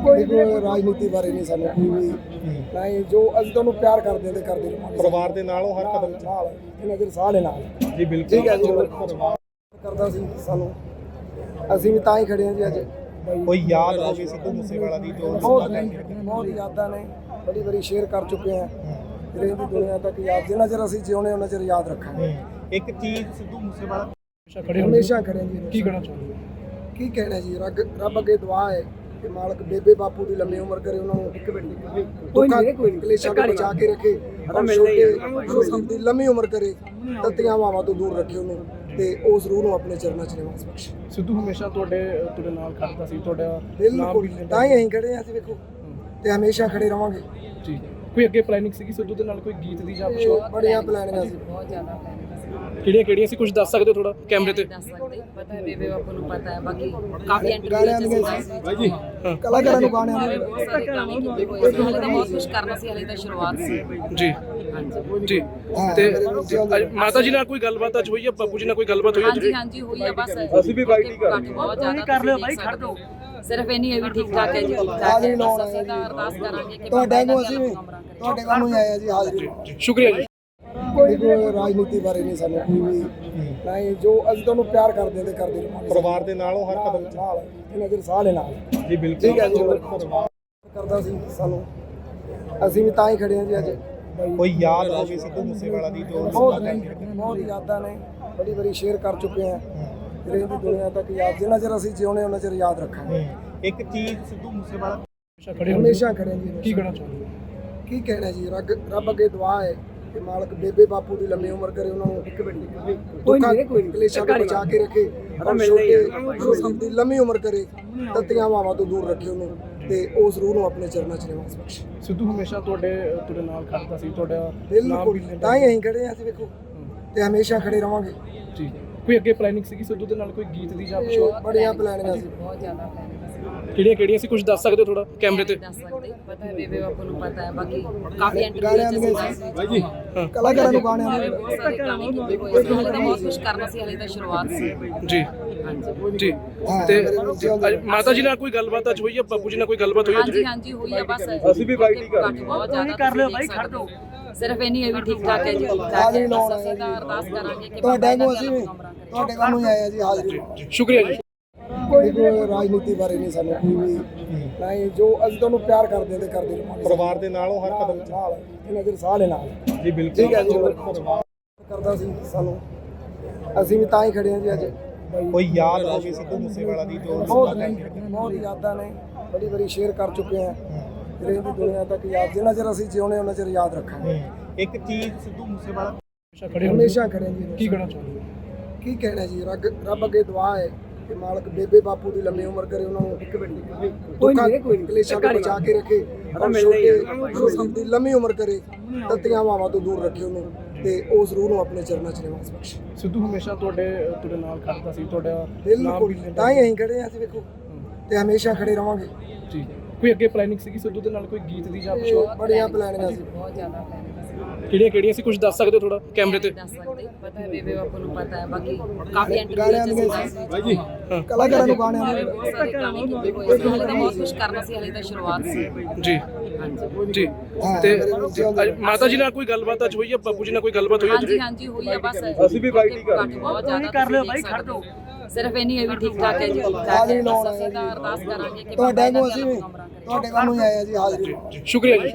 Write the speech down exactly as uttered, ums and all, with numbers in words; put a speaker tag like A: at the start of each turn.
A: ਦੇਖੋ ਰਾਜਨੀਤੀ ਬਾਰੇ ਨਹੀਂ ਸਾਨੂੰ ਕੋਈ ਵੀ ਨਹੀਂ, ਜੋ ਅਸੀਂ ਤੁਹਾਨੂੰ ਪਿਆਰ ਕਰਦੇ ਹਾਂ ਤੇ ਕਰਦੇ ਰਹਾਂਗੇ।
B: ਪਰਿਵਾਰ ਦੇ ਨਾਲ ਉਹ ਹਰ ਕਦਮ
A: ਨਾਲ ਇਹਨਾਂ ਦੇ ਸਾਰੇ ਨਾਲ
B: ਜੀ ਬਿਲਕੁਲ
A: ਠੀਕ ਹੈ ਜੀ। ਪਰਿਵਾਰ ਕਰਦਾ ਸੀ ਸਾਨੂੰ, ਅਸੀਂ ਵੀ ਤਾਂ ਹੀ ਖੜੇ ਹਾਂ ਜੀ ਅੱਜ।
B: ਕੋਈ ਯਾਦ ਹੋਵੇ ਸਿੱਧੂ ਮੂਸੇਵਾਲਾ ਦੀ ਜੋ
A: ਬਹੁਤ ਬਹੁਤ ਯਾਦਾਂ ਨੇ, ਬੜੀ ਬੜੀ ਸ਼ੇਅਰ ਕਰ ਚੁੱਕੇ ਹਾਂ, ਜਿਹੜੇ ਦੀ ਦੁਨੀਆ ਤੱਕ ਯਾਦ, ਜਿੰਨਾ ਚਿਰ ਅਸੀਂ ਜਿਉਣੇ ਉਹਨਾਂ ਚਿਰ ਯਾਦ ਰੱਖਾਂਗੇ।
B: ਇੱਕ ਚੀਜ਼ ਸਿੱਧੂ ਮੂਸੇਵਾਲਾ
A: ਹਮੇਸ਼ਾ ਖੜੇ ਹਾਂ ਜੀ।
C: ਕੀ ਕਹਿਣਾ ਚਾਹੁੰਦੇ
A: ਕੀ ਕਹਿਣਾ ਜੀ, ਰੱਬ ਰੱਬ ਅੱਗੇ ਦੁਆ ਹੈ ਕਿ ਮਾਲਕ ਬੇਬੇ ਬਾਪੂ ਦੀ ਲੰਮੀ ਉਮਰ ਕਰੇ, ਉਹਨਾਂ ਨੂੰ ਇੱਕ ਮਿੰਟ ਦੁੱਖਾਂ ਕਲੇਸ਼ਾਂ ਤੋਂ ਬਚਾ ਕੇ ਰੱਖੇ, ਛੋਟੇ ਦੀ ਲੰਮੀ ਉਮਰ ਕਰੇ, ਤੱਤੀਆਂ ਹਵਾਵਾਂ ਤੋਂ ਦੂਰ ਰੱਖੇ ਉਹਨੂੰ, ਤੇ ਉਸ ਰੂਹ ਨੂੰ ਆਪਣੇ ਚਰਨਾਂ 'ਚ ਨਿਵਾਸ ਬਖਸ਼ੇ।
C: ਸਿੱਧੂ ਹਮੇਸ਼ਾ ਤੁਹਾਡੇ ਤੁਹਾਡੇ ਨਾਲ ਖੜਦਾ ਸੀ, ਤੁਹਾਡਾ
A: ਬਿਲਕੁਲ ਤਾਂ ਹੀ ਅਸੀਂ ਖੜੇ ਹਾਂ ਅਸੀਂ, ਵੇਖੋ, ਤੇ ਹਮੇਸ਼ਾ ਖੜੇ ਰਵਾਂਗੇ
C: ਜੀ। ਕੋਈ ਅੱਗੇ ਪਲੈਨਿੰਗ ਸੀਗੀ ਸਿੱਧੂ ਦੇ ਨਾਲ ਕੋਈ ਗੀਤ ਦੀ ਜਾਂ ਕੁਝ ਹੋਰ?
A: ਬੜੀਆਂ ਪਲਾਨਿੰਗਾਂ ਸੀ,
D: ਬਹੁਤ ਜ਼ਿਆਦਾ ਪਲਾਨਿੰਗ ਸੀ।
C: ਕਿਹੜੀਆਂ ਕਿਹੜੀਆਂ ਸੀ, ਕੁਝ ਦੱਸ ਸਕਦੇ ਹੋ ਥੋੜਾ ਕੈਮਰੇ ਤੇ?
D: ਦੱਸ ਸਕਦੇ, ਪਤਾ ਹੈ ਬੇਬੇ ਬਾਪੂ ਨੂੰ ਪਤਾ ਹੈ, ਬਾਕੀ ਕਾਫੀ
A: ਗਾਣਿਆਂ
D: ਇੰਟਰਵਿਊ
A: ਦੀਆਂ
D: ਸੀ
A: ਬਾਈ ਜੀ, ਕਲਾਕਾਰਾਂ ਨੂੰ ਗਾਣਿਆਂ
D: ਹਲੇ
A: ਦੇ
D: ਬਹੁਤ ਸਾਰੇ ਗਾਣੇ ਕੀਤੇ ਹੋਏ ਸੀ, ਹਲੇ ਤਾਂ ਬਹੁਤ ਕੁਝ ਕਰਨਾ ਸੀ, ਹਲੇ ਤਾਂ ਸ਼ੁਰੂਆਤ ਸੀ।
C: ਜੀ
D: ਹਾਂਜੀ
C: ਜੀ। ਤੇ ਅੱਜ ਮਾਤਾ ਜੀ ਨਾਲ ਕੋਈ ਗੱਲਬਾਤ ਅੱਜ ਹੋਈ ਹੈ, ਬਾਪੂ ਜੀ ਨਾਲ ਕੋਈ ਗੱਲਬਾਤ ਹੋਈ ਹੈ?
D: ਹਾਂਜੀ ਹਾਂਜੀ ਹੋਈ ਆ, ਬਸ
B: ਅਸੀਂ ਵੀ ਬਾਈਟ ਹੀ ਕਰ ਰਹੇ ਹਾਂ।
D: ਬਹੁਤ ਜ਼ਿਆਦਾ ਕਰ ਲਿਓ ਬਾਈ, ਖੜ ਦੋ। ਸਿਰਫ ਇੰਨੀ ਹੈ ਵੀ ਠੀਕ ਠਾਕ ਹੈ ਜੀ, ਠੀਕ ਠਾਕ
A: ਹਾਜ਼ਰੀ
D: ਹੈ।
A: ਲਾਉਣ
D: ਬਸ ਅਸੀਂ
A: ਆਏ
D: ਤਾਂ
A: ਜੀ।
D: ਅਰਦਾਸ ਕਰਾਂਗੇ ਕਿ
A: ਤੁਹਾਡੇ
D: ਬਾਬਾ
A: ਨੂੰ
D: ਜੀ
A: ਅਸੀਂ ਵੀ
D: ਦਾ ਕੰਮ ਕਰੇ।
A: ਤੁਹਾਡੇ ਵੱਲ ਨੂੰ ਆਏ ਆ ਜੀ, ਹਾਜ਼ਰੀ ਲਾਉਣ।
C: ਸ਼ੁਕਰੀਆ ਜੀ।
A: ਦੇਖੋ ਰਾਜਨੀਤੀ ਬਾਰੇ ਨਹੀਂ ਸਾਨੂੰ ਕੋਈ ਵੀ ਨਹੀਂ, ਜੋ ਅਸੀਂ ਤੁਹਾਨੂੰ ਪਿਆਰ ਕਰਦੇ ਹਾਂ ਤੇ ਕਰਦੇ ਰਹਾਂਗੇ।
B: ਪਰਿਵਾਰ ਦੇ ਨਾਲ ਉਹ ਹਰ ਕਦਮ
A: ਨਾਲ ਇਹਨਾਂ ਦੇ ਸਾਰੇ ਨਾਲ
B: ਜੀ ਬਿਲਕੁਲ
A: ਠੀਕ ਹੈ ਜੀ। ਪਰਿਵਾਰ ਕਰਦਾ ਸੀ ਸਾਨੂੰ, ਅਸੀਂ ਵੀ ਤਾਂ ਹੀ ਖੜੇ ਹਾਂ ਜੀ ਅੱਜ।
B: ਕੋਈ ਯਾਦ ਹੋਵੇ ਸਿੱਧੂ ਮੂਸੇਵਾਲਾ ਦੀ ਜੋ
A: ਬਹੁਤ ਬਹੁਤ ਯਾਦਾਂ ਨੇ, ਬੜੀ ਬੜੀ ਸ਼ੇਅਰ ਕਰ ਚੁੱਕੇ ਹਾਂ, ਜਿਹੜੇ ਦੀ ਦੁਨੀਆ ਤੱਕ ਯਾਦ, ਜਿੰਨਾ ਚਿਰ ਅਸੀਂ ਜਿਉਣੇ ਉਹਨਾਂ ਚਿਰ ਯਾਦ ਰੱਖਾਂਗੇ।
B: ਇੱਕ ਚੀਜ਼ ਸਿੱਧੂ ਮੂਸੇਵਾਲਾ
A: ਹਮੇਸ਼ਾ ਖੜੇ ਹਾਂ ਜੀ।
C: ਕੀ ਕਹਿਣਾ ਚਾਹੁੰਦੇ?
A: ਕੀ ਕਹਿਣਾ ਜੀ, ਰੱਬ ਰੱਬ ਅੱਗੇ ਦੁਆ ਹੈ ਕਿ ਮਾਲਕ ਬੇਬੇ ਬਾਪੂ ਦੀ ਲੰਮੀ ਉਮਰ ਕਰੇ, ਉਹਨਾਂ ਨੂੰ ਇੱਕ ਮਿੰਟ ਦੁੱਖਾਂ ਕਲੇਸ਼ਾਂ ਤੋਂ ਬਚਾ ਕੇ ਰੱਖੇ, ਛੋਟੇ ਦੀ ਲੰਮੀ ਉਮਰ ਕਰੇ, ਤੱਤੀਆਂ ਹਵਾਵਾਂ ਤੋਂ ਦੂਰ ਰੱਖੇ ਉਹਨੂੰ, ਤੇ ਉਸ ਰੂਹ ਨੂੰ ਆਪਣੇ ਚਰਨਾਂ 'ਚ ਨਿਵਾਸ ਬਖਸ਼ੇ।
C: ਸਿੱਧੂ ਹਮੇਸ਼ਾ ਤੁਹਾਡੇ ਤੁਹਾਡੇ ਨਾਲ ਖੜਦਾ ਸੀ, ਤੁਹਾਡਾ
A: ਬਿਲਕੁਲ ਤਾਂ ਹੀ ਅਸੀਂ ਖੜੇ ਹਾਂ ਅਸੀਂ, ਵੇਖੋ, ਤੇ ਹਮੇਸ਼ਾ ਖੜੇ ਰਵਾਂਗੇ
C: ਜੀ। ਕੋਈ ਅੱਗੇ ਪਲੈਨਿੰਗ ਸੀਗੀ ਸਿੱਧੂ ਦੇ ਨਾਲ ਕੋਈ ਗੀਤ ਦੀ ਜਾਂ ਕੁਝ ਹੋਰ?
A: ਬੜੀਆਂ ਪਲਾਨਿੰਗਾਂ ਸੀ,
D: ਬਹੁਤ ਜ਼ਿਆਦਾ ਪਲਾਨਿੰਗ ਸੀ।
C: ਕਿਹੜੀਆਂ ਕਿਹੜੀਆਂ ਸੀ, ਕੁਝ ਦੱਸ ਸਕਦੇ ਹੋ ਥੋੜਾ ਕੈਮਰੇ ਤੇ?
D: ਦੱਸ ਸਕਦੇ, ਪਤਾ ਹੈ ਬੇਬੇ ਬਾਪੂ ਨੂੰ ਪਤਾ ਹੈ, ਬਾਕੀ ਕਾਫੀ
A: ਗਾਣਿਆਂ
D: ਇੰਟਰਵਿਊ
A: ਦੀਆਂ
D: ਸੀ।
A: ਬਾਈ ਜੀ, ਕਲਾਕਾਰਾਂ ਨੂੰ ਗਾਣਿਆਂ
D: ਹਲੇ
A: ਦੇ
D: ਬਹੁਤ ਸਾਰੇ ਗਾਣੇ ਕੀਤੇ ਹੋਏ ਸੀ, ਹਲੇ ਤਾਂ ਬਹੁਤ ਕੁਝ ਕਰਨਾ ਸੀ, ਹਲੇ ਤਾਂ ਸ਼ੁਰੂਆਤ ਸੀ।
C: ਜੀ
D: ਹਾਂਜੀ
C: ਜੀ। ਤੇ ਅੱਜ ਮਾਤਾ ਜੀ ਨਾਲ ਕੋਈ ਗੱਲਬਾਤ ਅੱਜ ਹੋਈ ਹੈ, ਬਾਪੂ ਜੀ ਨਾਲ ਕੋਈ ਗੱਲਬਾਤ ਹੋਈ ਹੈ?
D: ਹਾਂਜੀ ਹਾਂਜੀ ਹੋਈ ਆ, ਬਸ
B: ਅਸੀਂ ਵੀ ਬਾਈਟ ਹੀ ਕਰ ਰਹੇ ਹਾਂ।
D: ਬਹੁਤ ਜ਼ਿਆਦਾ ਕਰ ਲਿਓ ਬਾਈ, ਖੜ ਦੋ। ਸਿਰਫ ਇੰਨੀ ਹੈ ਵੀ ਠੀਕ ਠਾਕ ਹੈ ਜੀ, ਠੀਕ ਠਾਕ
A: ਹਾਜ਼ਰੀ
D: ਹੈ।
A: ਲਾਉਣ
D: ਬਸ
A: ਆਏ
D: ਅਸੀਂ ਤਾਂ
A: ਜੀ।
D: ਅਰਦਾਸ ਕਰਾਂਗੇ ਕਿ
A: ਤੁਹਾਡੇ ਨੂੰ
D: ਬਾਬਾ
A: ਅਸੀਂ
D: ਜੀ
A: ਵੀ
D: ਦਾ ਕੰਮ ਕਰੇ।
A: ਤੁਹਾਡੇ ਵੱਲ ਨੂੰ ਆਏ ਆ ਜੀ, ਹਾਜ਼ਰੀ ਲਾਉਣ।
C: ਸ਼ੁਕਰੀਆ ਜੀ।
A: ਦੇਖੋ ਰਾਜਨੀਤੀ ਬਾਰੇ ਨਹੀਂ ਸਾਨੂੰ ਕੋਈ ਵੀ ਨਹੀਂ, ਜੋ ਅਸੀਂ ਤੁਹਾਨੂੰ ਪਿਆਰ ਕਰਦੇ ਹਾਂ ਤੇ ਕਰਦੇ ਰਹਾਂਗੇ।
B: ਪਰਿਵਾਰ ਦੇ ਨਾਲ ਉਹ ਹਰ ਕਦਮ
A: ਨਾਲ ਇਹਨਾਂ ਦੇ ਸਾਰੇ ਨਾਲ
B: ਜੀ ਬਿਲਕੁਲ
A: ਠੀਕ ਹੈ ਜੀ। ਪਰਿਵਾਰ ਕਰਦਾ ਸੀ ਸਾਨੂੰ, ਅਸੀਂ ਵੀ ਤਾਂ ਹੀ ਖੜੇ ਹਾਂ ਜੀ ਅੱਜ।
B: ਕੋਈ ਯਾਦ ਹੋਵੇ ਸਿੱਧੂ ਮੂਸੇਵਾਲਾ ਦੀ ਜੋ
A: ਬਹੁਤ ਬਹੁਤ ਯਾਦਾਂ ਨੇ, ਬੜੀ ਬੜੀ ਸ਼ੇਅਰ ਕਰ ਚੁੱਕੇ ਹਾਂ, ਜਿਹੜੇ ਦੀ ਦੁਨੀਆ ਤੱਕ ਯਾਦ, ਜਿੰਨਾ ਚਿਰ ਅਸੀਂ ਜਿਉਣੇ ਉਹਨਾਂ ਚਿਰ ਯਾਦ ਰੱਖਾਂਗੇ।
B: ਇੱਕ ਚੀਜ਼ ਸਿੱਧੂ ਮੂਸੇਵਾਲਾ
A: ਹਮੇਸ਼ਾ ਖੜੇ ਹਾਂ ਜੀ।
C: ਕੀ ਕਹਿਣਾ ਚਾਹੁੰਦੇ?
A: ਕੀ ਕਹਿਣਾ ਜੀ, ਰੱਬ ਰੱਬ ਅੱਗੇ ਦੁਆ ਹੈ ਕਿ ਮਾਲਕ ਬੇਬੇ ਬਾਪੂ ਦੀ ਲੰਮੀ ਉਮਰ ਕਰੇ, ਉਹਨਾਂ ਨੂੰ ਇੱਕ ਮਿੰਟ ਦੁੱਖਾਂ ਕਲੇਸ਼ਾਂ ਤੋਂ ਬਚਾ ਕੇ ਰੱਖੇ, ਛੋਟੇ ਦੀ ਲੰਮੀ ਉਮਰ ਕਰੇ, ਤੱਤੀਆਂ ਹਵਾਵਾਂ ਤੋਂ ਦੂਰ ਰੱਖੇ ਉਹਨੂੰ, ਤੇ ਉਸ ਰੂਹ ਨੂੰ ਆਪਣੇ ਚਰਨਾਂ 'ਚ ਨਿਵਾਸ ਬਖਸ਼ੇ।
C: ਸਿੱਧੂ ਹਮੇਸ਼ਾ ਤੁਹਾਡੇ ਤੁਹਾਡੇ ਨਾਲ ਖੜਦਾ ਸੀ, ਤੁਹਾਡਾ
A: ਬਿਲਕੁਲ ਤਾਂ ਹੀ ਅਸੀਂ ਖੜੇ ਹਾਂ ਅਸੀਂ, ਵੇਖੋ, ਤੇ ਹਮੇਸ਼ਾ ਖੜੇ ਰਵਾਂਗੇ
C: ਜੀ। ਕੋਈ ਅੱਗੇ ਪਲੈਨਿੰਗ ਸੀਗੀ ਸਿੱਧੂ ਦੇ ਨਾਲ ਕੋਈ ਗੀਤ ਦੀ ਜਾਂ ਕੁਝ ਹੋਰ?
A: ਬੜੀਆਂ ਪਲਾਨਿੰਗਾਂ ਸੀ,
D: ਬਹੁਤ ਜ਼ਿਆਦਾ ਪਲਾਨਿੰਗ ਸੀ।
C: ਕਿਹੜੀਆਂ ਕਿਹੜੀਆਂ ਸੀ, ਕੁਝ ਦੱਸ ਸਕਦੇ ਹੋ ਥੋੜਾ ਕੈਮਰੇ ਤੇ?
D: ਦੱਸ ਸਕਦੇ, ਪਤਾ ਹੈ ਬੇਬੇ ਬਾਪੂ ਨੂੰ ਪਤਾ ਹੈ, ਬਾਕੀ ਕਾਫੀ
A: ਗਾਣਿਆਂ
D: ਇੰਟਰਵਿਊ
A: ਦੀਆਂ
D: ਸੀ।
A: ਬਾਈ ਜੀ, ਕਲਾਕਾਰਾਂ ਨੂੰ ਗਾਣਿਆਂ
D: ਹਲੇ
A: ਦੇ
D: ਬਹੁਤ ਸਾਰੇ ਗਾਣੇ ਕੀਤੇ ਹੋਏ ਸੀ, ਹਲੇ ਤਾਂ ਬਹੁਤ ਕੁਝ ਕਰਨਾ ਸੀ, ਹਲੇ ਤਾਂ ਸ਼ੁਰੂਆਤ ਸੀ।
C: ਜੀ
D: ਹਾਂਜੀ
C: ਜੀ। ਤੇ ਅੱਜ ਮਾਤਾ ਜੀ ਨਾਲ ਕੋਈ ਗੱਲਬਾਤ ਅੱਜ ਹੋਈ ਹੈ, ਬਾਪੂ ਜੀ ਨਾਲ ਕੋਈ ਗੱਲਬਾਤ ਹੋਈ ਹੈ?
D: ਹਾਂਜੀ ਹਾਂਜੀ ਹੋਈ ਆ, ਬਸ
B: ਅਸੀਂ ਵੀ ਬਾਈਟ ਹੀ ਕਰ ਰਹੇ ਹਾਂ।
D: ਬਹੁਤ ਜ਼ਿਆਦਾ ਕਰ ਲਿਓ ਬਾਈ, ਖੜ ਦੋ। ਸਿਰਫ ਇੰਨੀ ਹੈ ਵੀ ਠੀਕ ਠਾਕ ਹੈ ਜੀ, ਠੀਕ ਠਾਕ
A: ਹਾਜ਼ਰੀ
D: ਹੈ।
A: ਲਾਉਣ
D: ਬਸ
A: ਆਏ
D: ਅਸੀਂ
A: ਜੀ।
D: ਤਾਂ ਅਰਦਾਸ ਕਰਾਂਗੇ ਕਿ
A: ਤੁਹਾਡੇ
D: ਬਾਬਾ
A: ਨੂੰ
D: ਜੀ
A: ਅਸੀਂ
D: ਦਾ
A: ਵੀ
D: ਕੰਮ ਕਰੇ।
A: ਤੁਹਾਡੇ ਵੱਲ ਨੂੰ ਆਏ ਆ ਜੀ, ਹਾਜ਼ਰੀ ਲਾਉਣ।
C: ਸ਼ੁਕਰੀਆ ਜੀ।